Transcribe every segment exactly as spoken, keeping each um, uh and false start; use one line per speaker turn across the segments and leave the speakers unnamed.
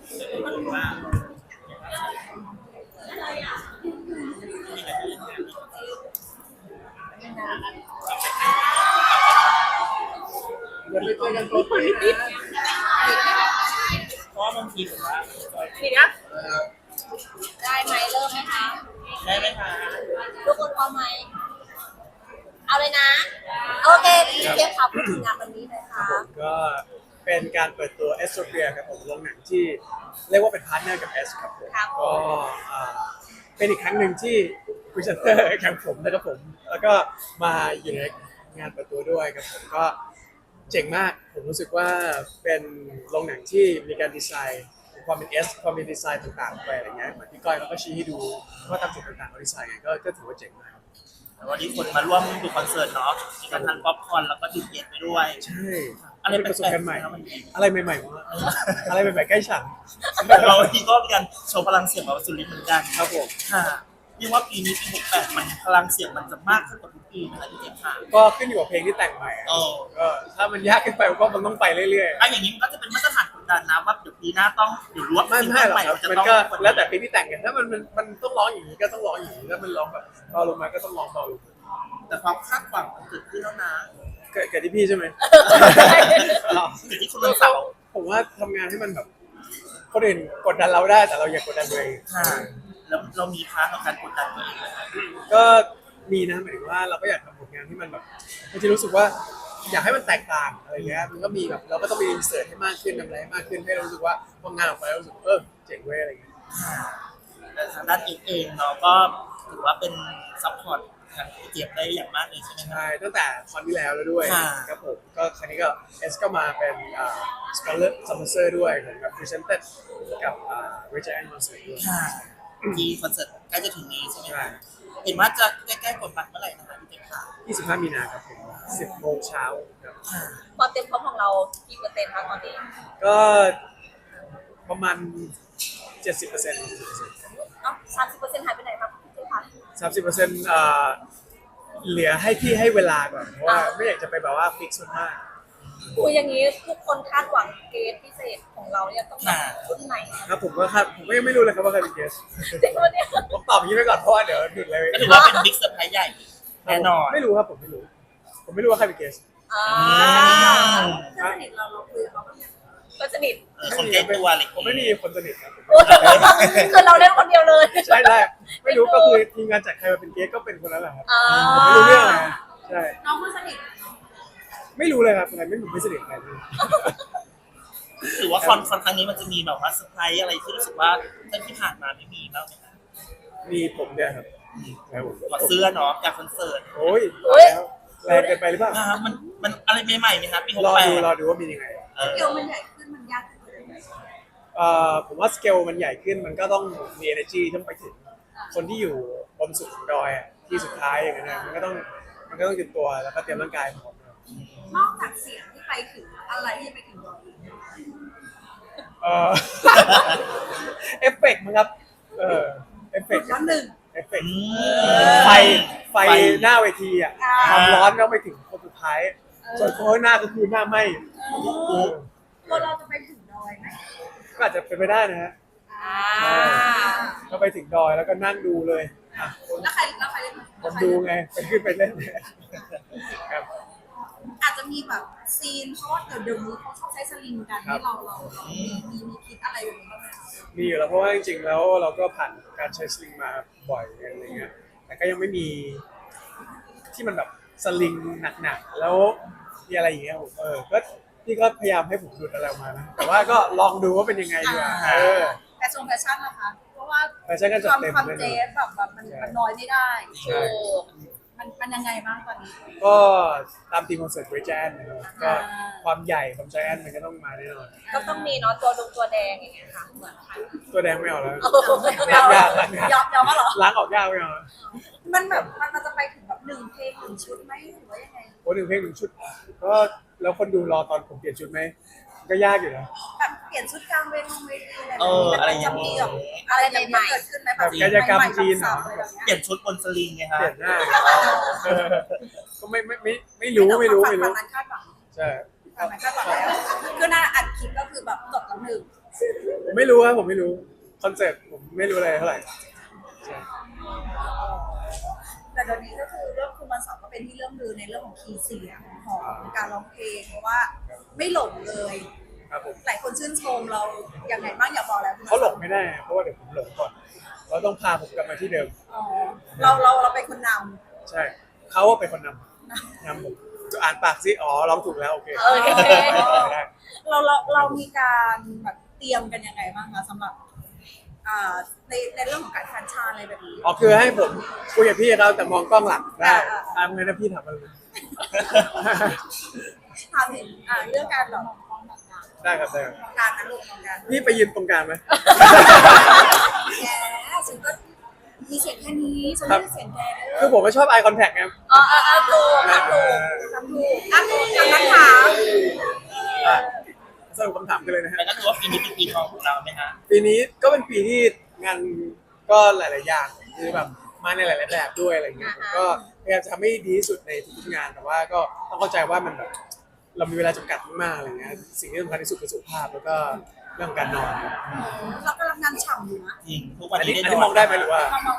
ว่า
อย่าไปเจอกันตัวจริงนะ
เพราะว่าบางทีผมว่า
ทีนี้ได้ไหมเริ่มไหมคะ
ได้ไหมคะ
ทุกคนพร้อมไหมเอาเลยนะโอเคพี่เจี๊ยบครับพูดถึงงานวันนี้หน่อยค่ะ
ผมก็เป็นการเปิดตัวเอสโตเปียครับผมโรงหนังที่เรียกว่าเป็นพาร์ทเนอร์กับเอสครับผมก็อ่าเป็นอีกครั้งหนึ่งที่พรีเซนเตอร์กับผมนะครับผมแล้วก็มาอยู่ในงานเปิดตัวด้วยครับผมก็เจ๋งมากผมรู้สึกว่าเป็นโรงหนังที่มีการดีไซน์ความเป็นเอสความเป็นดีไซน์ต่างๆไปอะไรเงี้ยเหมือนที่ก้อยเขาก็ชี้ให้ดูว่าตามจุดต่างๆเขาดีไซน์ไงก็ก็ถือว่าเจ๋งมาก
วันนี้คนมาร่วมดูคอนเสิร์ตเนาะมีการทานป๊อปคอร์นแล้วก็ดื่มเย็นไปด้วย
ใช่
อะไร
เป็นประสบการณ์ใหม่
แปลกๆนะมัน
อะไรใหม่ๆวะอะไรใหม่ๆใกล้ฉัน
เราที่ก็มีการโชว์พลังเสียงแบบสุรินทร์เหมือนกัน
ครับผม
ค่ะเรียกว่าปีนี้ปีหกแปดมันพลังเสียงมันจะมากขึ้นกว่าทุกปีนะคะพี่เจมส์ค่ะ
ก็ขึ้นอยู่กับเพลงที่แต่งใหม่อะ
โอ้
ก็ถ้ามันยากขึ้นไปก็มันต้องไปเรื่อย
อะอย่างนี้มันก็จะเป็นมาตรฐานกดดันนะว่าเดี๋ยวปีหน้าต้องเดี๋ยวรวบ
ๆไม่ไม่หรอกครับ
จะ
มัน
ต้อง
ก็แล้วแต่เพลงที่แต่งกันถ้ามันมันมันต้องร้องอย่างนี้ก็ต้องร้องอย่างนี้ถ้ามันร้องแบบเบาลงมาก็ต้องร้องเบาลง
แต่ความคาดหวังมันเกิดขึ้นแล้วนะ
เกิดเกิดที่พี่ใช่ไหม
เกิดที่คุณวันเสาร์
ผมว่าทำงานให้มันแบบคนอื่นกดดันเราได้แต่เราอย่ากดดันตัวเอง
ค่ะแล้วเรามีพาร์ทของการกดดันตัวเองไหมคะ
ก็มีนะหมายถึงว่าเราก็อยากทำผลงานที่มันแบบบางทีรู้สึกว่าอยากให้มันแตกต่างอะไรเงี้ยมันก็มีแบบเราก็ต้องมีอินเสิร์ตให้มากขึ้นทำอะไรให้มากขึ้นให้เรารู้สึกว่าพองานออกไปเรารู้สึกเออเจ๋งเว้ยอะไรเงี้ย
แต่ทางด้านเองเองเนาะก็ถือว่าเป็นซัพพอร์ตทางเจี๊ยบได้อย่างมากเลยใช่ไหมคะ
ใช่ตั้งแต่คอนที่แล้วแล้วด้วย
ค่ะ
ครับผมก็ครั้งนี้ก็เอสก็มาเป็นอ่าสปอนเซอร์สปอนเซอร์ด้วยผมกับพรีเซนเตอร์กับอ่าเวจแอนด์มอนสเตอร์ด้วย
ค่ะที่คอนเสิร์ตใกล้จะถึงนี้ใช่ไหม
ใช่
คะเห็นว่าจะใกล้ๆกดบัตรเมื่อไหร่นะคะพี่เจี๊ยบค่ะ
ยี่สิบห้ามีนาครับผมสิบโมงเช้าครับ
ค่ะ
ความเต็มพร้อมของเรากี่เปอร์เซ็นต์คะตอนนี้
ก็ประมาณเจ็ดสิบเปอร์เซ็นต์
เอ้าสามสิบเปอร์เซ็นต์หายไปไหนครับพี่เจี๊ยบคะ
สามสิบเปอร์เซ็นต์อ่าเหลือให้พี่ให้เวลาก่อนเพราะว่าไม่อยากจะไปแบบว่าฟิกซ์มาก
คุยอย่างนี้ทุกคนคาดหวังเกรดพิเศษของเราเนี่ยต้องแบบรุ่นไหน
ครับผมก็ครับผมก็ยังไม่รู้เลยครับว่าใครเป็นเกส
จริงวันนี้
ผมตอบอย่างนี้ไปก่อนเพราะว่าเดี๋ยวหยุดเลย
ก็ถือว่าเป็นบิ๊กเซอร์ไพรส์ใหญ่แน่นอน
ไม่รู้ครับผมไม่รู้ ผมไม่รู้ว่าใครเป็นเกส
อ่า
เพื่อน
สนิทเราเราคุยกับเขาเพื่อนสนิท
เออคนใกล้ตัวอะไร
ผมไม่มีคนสนิทครับผม
คือเราเล่นคนเดียวเลย
ใช่แรกไม่รู้ก็คือทีมงานจัดใครมาเป็นเกสก็เป็นคนนั้นแหละครับ
อ่า
ผมไม่รู้เรื่องอะไรใช่
น้องคนสนิท
ไม่รู้เลยครับใครไม่ผมไม่สนิทใครเลย
ถือว่าคอนคอนครั้งนี้มันจะมีแบบว่าเซอร์ไพรส์อะไรที่รู้สึกว่าตั้งที่ผ่านมาไม่มีบ้างไหมคะ
มีผมเนี่ยครับครับผม
ถอดเสื้อเนาะจากคอนเสิร์ต
โอ้ยแล้วแรงเกินไปหรือเปล่า
อ่ามันมันอะไรใหม่ๆไหมคะปีหก
รอ
แปด
ดูรอดูว่ามียังไง
เออ
เกลมันใหญ่ขึ้นมันยากขึ้น
เอ่อผมว่าสเกลมันใหญ่ขึ้นมันก็ต้องมี energy ต้องไปถึงคนที่อยู่บนสุดของดอยอะที่สุดท้ายอย่างนั้นนะมันก็ต้องมันก็ต้องเตรียมตัวแล้วก็เตรียมร่างกายพร้อมนะครับ
นอกจากเสียงที่ไปถึงอะไรที่ไปถึงเราอีก
เอ่อ เอฟเฟกต์มั้งครับเออเอฟเฟกต์
ร้อนหนึ่ง
เอฟเฟก
อื
ต์
ม
ไฟไฟหน้าเวทีอ่ะ
อ่า
ความร้อนก็ไปถึงคนสุดท้าย ส่วนคนข้างหน้าก็คือหน้าไหม้เออ
ตัวเราจะไปถึงดอยไหม
ก็อาจจะเป็นไปได้นะฮะ
อ่า
ก็ไปถึงดอยแล้วก็นั่งดูเลยอ่ะ
แล้วใครแล้วใครเล่น
ผมดูไงไปขึ้นไปเล่นครับ
อาจจะมีแบบซีนเพราะว่าเดี๋ยวเดี๋ยวนี้เขาชอบใช้สลิงกันให้เราเราเรามีมีมีคิดอะไรแบบนี้บ้างไหมคะ
มีอยู่แล้วเพราะว่าจริงๆแล้วเราก็ผ่านการใช้สลิงมาบ่อยอะไรเงี้ยแต่ก็ยังไม่มีที่มันแบบสลิงหนักๆแล้วมีอะไรอย่างเงี้ยผมเออก็พี่ก็พยายามให้ผมดูดอะไรออกมานะแต่ว่าก็ลองดูว่าเป็นยังไงดีกว่าเออ
แต่ทรงแฟชั่นนะคะ เพราะว่า
แฟชั่นก็จัด
ความ
เต็ม
ความ
เลย
เจ๊
นะ
แบบแบบมัน
ใช่
มันน้อยไม่ได้
ใช่
โอ้มันมันยังไงบ้างตอนนี้
ก็ตามทีมคอนเสิร์ตเวจแอนนะครับก็ความใหญ่ความใจแอนมันก็ต้องมาแน่นอน
ก็ต้องมีเนาะตัวดงตัวแดงอย่างเงี้ยค่ะเหมือนกัน
ตัวแดงไม่เอาแล้ว
ไม่เอา
ยากล้างยาก
ยอมยอมว่าเหรอ
ล้างออกยากไม่เอาแล้ว
มันแบบมันมันจะไปถึงแบบหนึ่งเพลงหนึ่งชุดไหมหรือว่ายังไง
โอ้หนึ่งเพลงหนึ่งชุดก็แล้วคนดูรอตอนผมเปลี่ยนชุดไหมก็ยากอยู่นะ
แบบเปลี่ยนชุดกลางเวทีเวทีอะไร
เอออะไรอย่าง
นี้
นี้
แบบอะไรใหม่ๆเกิดขึ้นไหมแบบ
กายกรรมจีนเหรอ
ใหม่ๆแบบ
เปลี่ยนชุดบนสลิงไง
เป
คะ
ลี่ยนหน้าเออก็ไม่ไม่ไม่ไม่รู้ไม่รู้ไม่รู้
ฝั่งนั้นคาดหวัง
ใช่
ฝั่งนั้นคาดหวังแล้วคือหน้าอัดคลิปก็คือแบบจบแล้วหนึ่ง
ผมไม่รู้ครับผมไม่รู้คอนเซ็ปต์ผมไม่รู้อะไรเท่าไหร่ใช่
แต่ตอนนี้ก็คือเรื่องคุณวันเสาร์ก็เป็นที่เรื่องลือในเรื่องของคีย์เสียงของการร้องเพลงเพราะว่าไม่หลงเลย
ครับผม
หลายคนชื่นชมเราอย่างไรบ้างอยากบอกแล้ว
เขาหลงไม่ได้เพราะว่าเดี๋ยวผมหลงก่อนเราต้องพาผมกลับมาที่เดิม
อ๋อเราเราเราเป็นคนน
ใช่เขาเป็นคนนำนำผมจะอ่านปากซิอ๋อร้องถูกแล้วโอเค
ำเออ
ได้
เราเราเรามีการแบบเตรียมกันยังไงบ้างคะสำหรับอ่าในในเรื่องของการคันชาอะไรแบบนี้
อ๋อคือให้ผมคุยกับพี่เราแต่มองกล้องหลังได้ทำไงนะพี่ทำอะไร
ถามถึงอ่าเรื่องการแบบ
ได้ครับได้ครับ
การนะลูกของการ
พี่ไปยืนตรงกลางไหม
แกฉันก็มีเสียงแค่นี้ฉันไม่ได้เสียงแกเลย
คือผมไม่ชอบ eye contact ไง
อ๋อเออเออถูกทำถูกทำถูกอ่ะคำนักถาม
อ่ะสรุปคำถามกันเลยนะฮะ
แต่ก็ถือว่าปีนี้เป็นปีทองของเราไหมฮะ
ปีนี้ก็เป็นปีที่งานก็หลาย ๆ อย่างคือแบบมาในหลาย ๆ แบบด้วยอะไรเงี้ยผมก็พยายามจะทำให้ดีที่สุดในทุกๆงานแต่ว่าก็ต้องเข้าใจว่ามันแบบเรามีเวลาจำกัดมากๆอะไรเงี้ยสิ่งที่สำคัญที่สุดคือสุขภาพแล้วก็เรื่องการนอน
เรากำลังงานฉ่ำอยู่นะ
จริงทุกวัน
อัน
นี้
นี้
ได้
อันนี้มองได้ไหมหรือว่า
เรามอง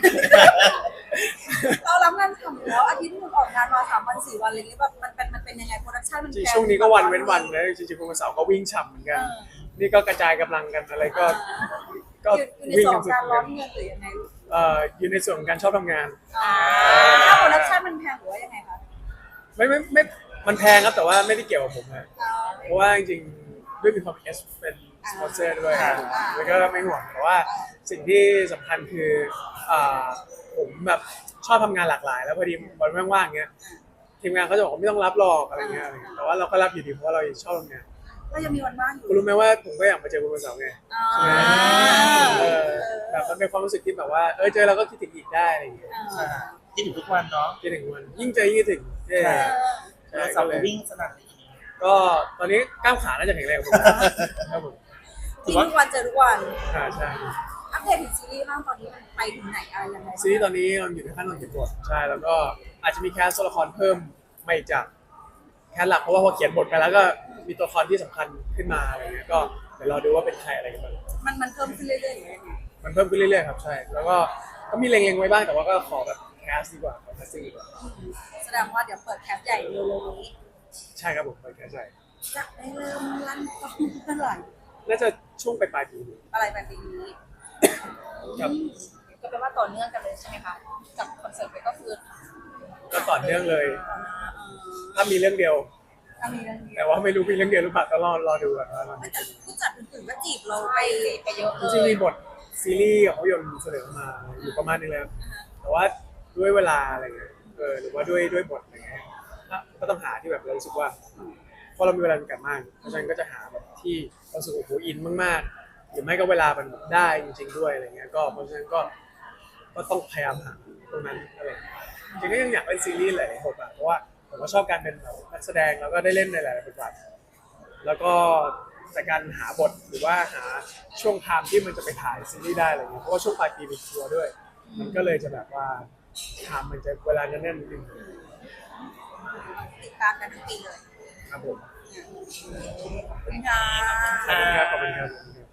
เรารับงานฉ่ำอยู่แล้วอาทิตย์นึงออกงานมาสามวันสี่วันอะไรเงี้ยแบบมันเป็นมันเป็นยังไงโปรดักชั่นมัน
จริงช่วงนี้ก็วันเว้นวันนะจริงๆวันเสาร์ก็วิ่งฉ่ำเหมือนกัน นี่ก็กระจายกำลังกันอะไรก็ก็
อยู่ใน
วิ่ง
ส่วน
กัน
ของ
สุด
การ
เหมือนกัน
ร้อนเงินหรือยังไงลูก
เอ่ออยู่ในส่วนของการชอบทำงาน
ถ้าโปรดักชั่นมันแพงหรือว่ายังไงคะ
ไม่ไม่ไม่มันแพงครับแต่ว่าไม่ได้เกี่ยวกับผมนะเพราะว่าจริงๆด้วยมีความเอสเป็นสปอนเซอร์ด้วยแล้วก็ไม่ห่วงแต่ว่าสิ่งที่สำคัญคืออ่าผมแบบชอบทำงานหลากหลาย แล้วพอดีวันว่างๆเงี้ยทีมงานเขาจะบอกว่าไม่ต้องรับหรอกอะไรเงี้ยอะไรเงี้ยแต่ว่าเราก็รับอยู่ดีเพราะว่าเราชอบทำงาน
ก็ยังมีวันว่างอยู่
คุณรู้ไหมว่าผมก็อยากมาเจอคุณวันเสาร์ไง
อ่า
เออแบบมันเป็นความรู้สึกที่แบบว่าเออเจอเราก็คิดถึงอีกได้อะไรอย่างเงี้ย
อ่า
ที่ถึงทุกวันเนาะ
คิดถึงวันยิ่งเจอยิ่งคิดถึงเออ
ใช่เสาร์วิ่งสนั่นเลย
ก็ตอนนี้กล้ามขาน่าจะแข็งแรงกว่าผมครับผม
ที่ทุกวันเจอทุกวัน
อ่าใช่
อัปเดตถึงซีรีส์บ้างตอนนี้มันไปถึงไหนอะไรยังไง
ซีรีส์ตอนนี้เราอยู่ในขั้นตอนเขียนบทใช่แล้วก็อาจจะมีแคสตัวละครเพิ่มมาอีกจากแคสหลักเพราะว่าพอเขียนบทไปแล้วก็มีตัวละครที่สำคัญขึ้นมาอะไรเงี้ยก็เดี๋ยวเราดูว่าเป็นใครอะไรกันบ้าง
มันมันเพิ่มขึ้นเรื่อยๆอย่างเงี้ย
มันเพิ่มขึ้นเรื่อยๆครับใช่แล้วก็ก็มีเล็งๆไว้บ้างแต่ว่าก็ขอแบบแคสดีกว่าขอแคสซิ่งดีกว่า
แสดงว่าเดี๋ยวเปิดแคปใหญ่เร็วๆนี้
ใช่ครับผมไปแคสใช่
จะได้เริ่มลั่นกล้องเมื่อไหร่
น่าจะช่วงปลายๆปีนี้
อะไรแบบนี้
ครับ
ก็แปลว่าต่อเนื่องกันเลยใช่ไหมคะกับคอนเสิร์ตไปก็คือ
ก็ต่อเนื่องเลย ถ้ามีเรื่องเดียว
ถ้ามีเรื่องนี้
แต่ว่าไม่รู้มีเรื่องเดียวหรือเปล่าก็รอรอดูก่อนว่ามัน
แต่ผู้จัดอื่นๆก็จีบเราไปไปเยอะเล
จริงๆ
ย
มีบทซีรีส์กับภาพยนตร์เสนอมาอยู่ประมาณนึงแล้วแต่ว่าด้วยเวลาอะไรเงี้ยเออหรือว่าด้วยด้วยบทอะไรเงี้ยก็ต้องหาที่แบบเรารู้สึกว่าพอเรามีเวลาจำกัดมากเพราะฉะนั้นก็จะหาแบบที่เราสึกโอ้โหอินมากๆหรือไม่ก็เวลามันได้จริงๆด้วยอะไรเงี้ยก็เพราะฉะนั้นก็ก็ต้องพยายามหาตรงนั้นอะไรจริงๆก็ยังอยากเล่นซีรีส์หลายๆบทบาทเพราะว่าผมก็ชอบการเป็นแบบนักแสดงแล้วก็ได้เล่นในหลายๆบทบาทแล้วก็แต่การหาบทหรือว่าหาช่วงไทม์ที่มันจะไปถ่ายซีรีส์ได้อะไรเงี้ยเพราะว่าช่วงปลายปีมีทัวร์ด้วย มันก็เลยจะแบบว่าไทม์มันจะเวลาแน่นๆนิดนึง
ติดตามกันทั้งปีเลย
ครับผม
ขอบคุณค่ะ
ขอบคุณครับขอบคุณครับ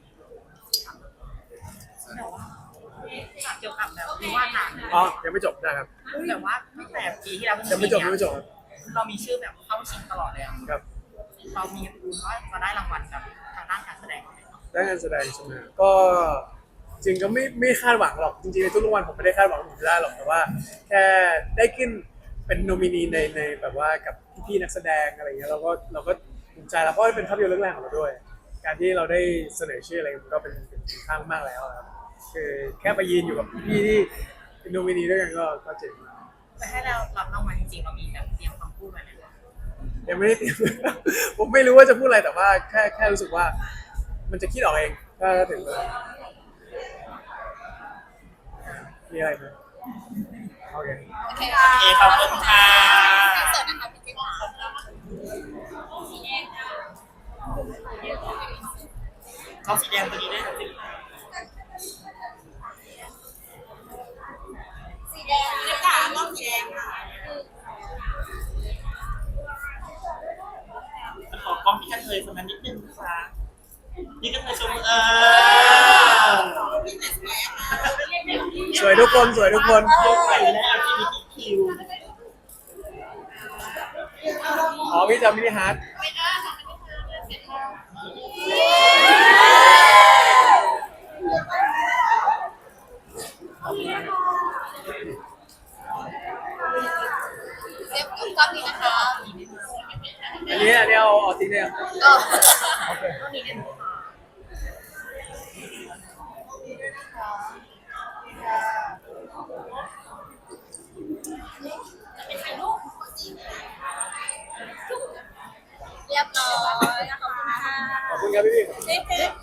เกี่ยวกับแบบวิวาทหนัง
อ๋อยังไม่จบนะครับ
แต่ว่าตั้งแต่ปีที่แล้ว
ยังไม่จบยังไม่จบครับ
เรามีชื่อแบบเข้าชิงตลอดเลยอะ
ครับ
เรามีรู้ว่าจะได้รางวัลแบบทางด้านการแสดงไหม
ได้งานแสดงใช่ไหมก็จริงก็ไม่ไม่คาดหวังหรอกจริงๆในทุกรางวัลผมไม่ได้คาดหวังว่าผมจะได้หรอกแต่ว่า แค่ได้ขึ้นเป็นโนมินีในในแบบว่ากับพี่ๆนักแสดงอะไรเงี้ยเราก็เราก็ภูมิใจแล้วเพราะว่าเป็นภาพยนตร์เรื่องแรกของเราด้วย การที่เราได้เสนอชื่ออะไรมันก็เป็นเป็นคุณค่ามากแล้วครับคือแค่ไปยืนอยู่กับพี่ที่เป็นโนมินีด้วยกันก็ก็เจ๋งมาก
แต่ให้เรารับรางวัลจริงๆเรามีแบบเตรียมคำพูดไว้ไหม
ยังไม่ได้เตรียม ผมไม่รู้ว่าจะพูดอะไรแต่ว่าแค่แค่รู้สึกว่า มันจะคิดออกเองถ้าถึงเวลามีอะไรไหมโอเค
โอเคค่ะ
โอเคขอบคุณค่ะ
เสิร์ตนะคะพี่จิ๊บค่ะ
กล้องสีแดงตัวนี้ด้วยนะสิ
สีแดงนี่ค่ะกล้องสีแดงค่ะ
ขอกล้องพี่กันเลยสักนิดนึงค่ะพี่ก็เคยชมเออ
สวยทุกคนสวยทุกคน
ใส่แล้ว แอล จี บี ที คิว
อ๋อพี่จำมินิฮาร์ด
เซฟกล้องนี้นะคะ
อันนี้อันนี้เอาเอาทิ้งเลยครับ
ก็
โอเค
เรียบร้อยขอบคุณค่ะ
ขอบคุณครับพี่พี่
เจ๊